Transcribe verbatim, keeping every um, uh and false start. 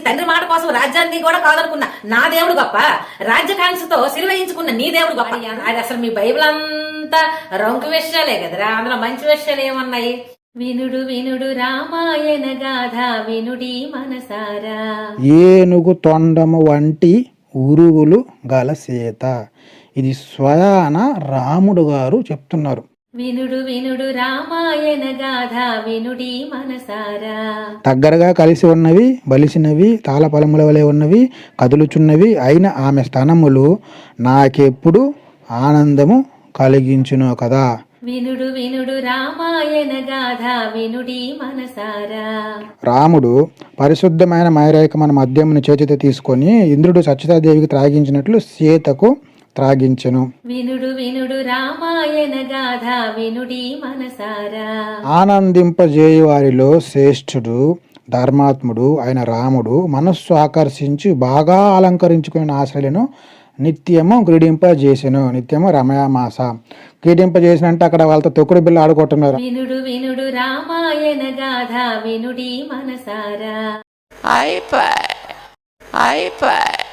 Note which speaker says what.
Speaker 1: తండ్రి మాట కోసం రాజ్యాన్ని కూడా కాదనుకున్నా నా దేవుడు గొప్ప, రాజ్యకాంక్షతో సిరివహించుకున్న నీ దేవుడు గొప్ప. అది అసలు మీ బైబిల్ అంతా రంకు విషయాలే కదరా, అందులో మంచి విషయాలు ఏమన్నాయి? వినుడు వినుడు రామాయణ గాథ వినుడి మనసారా,
Speaker 2: ఏనుగు తొండము వంటి ఉరుగులు గల సీత. ఇది స్వయాన రాముడు గారు చెప్తున్నారు.
Speaker 1: వినుడు వినుడు రామాయణ గాథ వినుడి మనసారా.
Speaker 2: దగ్గరగా కలిసి ఉన్నవి, బలిసినవి, తాళపలముల వలె ఉన్నవి, కదులుచున్నవి అయిన ఆమె స్తనములు నాకెప్పుడు ఆనందము కలిగించును కదా.
Speaker 1: వినుడు వినుడు రామాయణ గాథ వినుడి మనసారా.
Speaker 2: రాముడు పరిశుద్ధమైన మైరేకమైన మద్యమును చేతితో తీసుకొని ఇంద్రుడు సచితాదేవికి త్రాగించినట్లు సీతకు త్రాగించెను.
Speaker 1: వినుడు వినుడు రామాయణ గాథ వినుడి మనసారా.
Speaker 2: ఆనందింపజేయు వారిలో శ్రేష్ఠుడు ధర్మాత్ముడు అయిన రాముడు మనస్సు ఆకర్షించి బాగా అలంకరించుకుని ఆశలను నిత్యము క్రీడింపజేసెను. నిత్యము రమయామాస క్రీడింపజేసిన అంటే అక్కడ వాళ్ళతో తొక్కుడు బిల్ల ఆడుకుంటున్నారు.
Speaker 1: వినుడు వినుడు రామాయణ గాథ వినుడి మనసారా.
Speaker 3: అయిపోయి అయిపోయి